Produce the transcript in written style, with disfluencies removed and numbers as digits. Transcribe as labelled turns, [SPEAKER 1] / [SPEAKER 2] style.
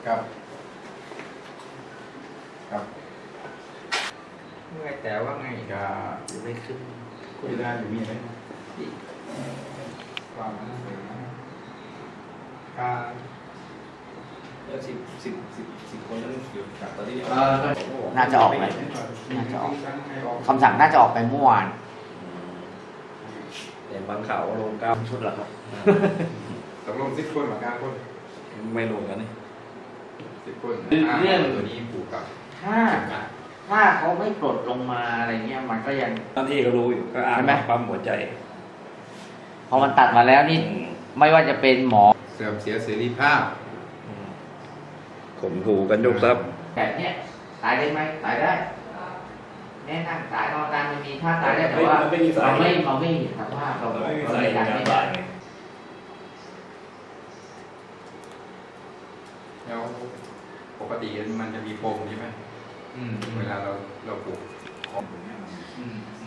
[SPEAKER 1] ครับครับ
[SPEAKER 2] เมื่อแต่ว่าไงก็ไม่ขึ้น
[SPEAKER 1] คุยได้อยู่มีอะไรความนั้นเลยนะการ
[SPEAKER 3] แล้วสิบคนนั้นอยู่จากตอนนี้
[SPEAKER 4] น่าจะออกไปน่าจะออกคำสั่งน่าจะออกไปเมื่อวาน
[SPEAKER 3] แต่บางข่าวลง9 ชุดแล้วครับ
[SPEAKER 1] ตกลง10 คนเหมือนกันคน
[SPEAKER 3] ไม่ลงกันนี่
[SPEAKER 1] 10 คน
[SPEAKER 4] เรื่อง
[SPEAKER 1] ตัวนี้ผูกกับ
[SPEAKER 4] ถ้าเขาไม่ปลดลงมาอะไรเงี้ยมันก็ยัง
[SPEAKER 3] บางที่ก็รู้อยู่ก็อ่าน
[SPEAKER 4] ใช่ไหม
[SPEAKER 3] ปั๊มหัวใจ
[SPEAKER 4] พอมันตัดมาแล้วนี่ไม่ว่าจะเป็นหมอ
[SPEAKER 1] เสื่อมเสียเสรีภาพ
[SPEAKER 3] ข่มขู่กันยกทรัพย์
[SPEAKER 4] แบบเนี้ยตายได้ไหมตายได้แน่นั่งตายนอนตายมันมีท่าตายได้แต่ว่า
[SPEAKER 3] มันไม่มีสาย
[SPEAKER 4] เราไม่เห็นสภาพเรา
[SPEAKER 3] ไม่มี
[SPEAKER 4] เรา
[SPEAKER 3] สาย
[SPEAKER 4] ไม่
[SPEAKER 3] กา
[SPEAKER 4] การ
[SPEAKER 3] ร
[SPEAKER 4] ไม่
[SPEAKER 3] ตา
[SPEAKER 4] ได้
[SPEAKER 3] ย
[SPEAKER 1] แล้วปกติมันจะมีปมใช่ไหมเวลาเราปลูกของอย่างเงี้ยมัน